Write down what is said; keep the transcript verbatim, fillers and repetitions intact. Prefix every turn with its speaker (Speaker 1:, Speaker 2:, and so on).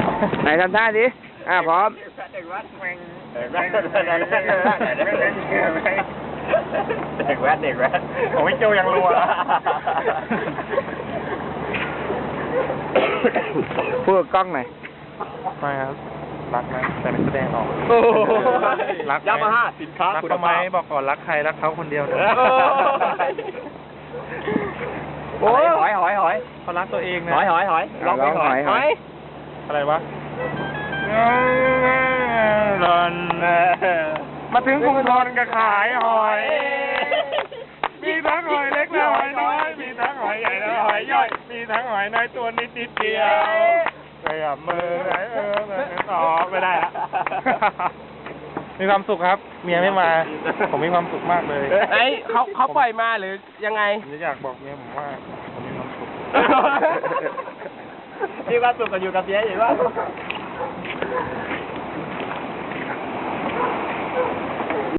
Speaker 1: ไหนทำท่าดิอ่ะพร้อม
Speaker 2: เด็กวัดแม่งเด็กวัดเด็กวัดเด็กวัดผมไม่โจยังรัว
Speaker 1: พูดกับกล้องหน่อย
Speaker 3: ไม่ครับรักนะแต่ไม่แสดงออก
Speaker 2: รักยามาฮ่าสินค้า
Speaker 3: รักทำไมบอกก่อนรักใครรักเขาคนเดียวนะ
Speaker 2: โอ้ยหอยหอยหอย
Speaker 3: เขารักตัวเองนะ
Speaker 2: หอยหอยหอย
Speaker 1: ร้องหอยหอย
Speaker 3: อะไรวะมาถึงกรุงธนก็ขายหอยมีทั้งหอยเล็กและหอยน้อยมีทั้งหอยใหญ่และหอยย่อยมีทั้งหอยน้อยตัวนิดนิดเดียวไปกับมือไหนเออต่อไม่ได้ละมีความสุขครับเมียไม่มาผมมีความสุขมากเลย
Speaker 2: ไอ้เขาเขาปล่อยมาหรือยังไง
Speaker 3: ผมอยากบอกเมียผมว่าผมมีความสุข
Speaker 2: มีความสุขกับอยู่กับเมียอยู่ว่า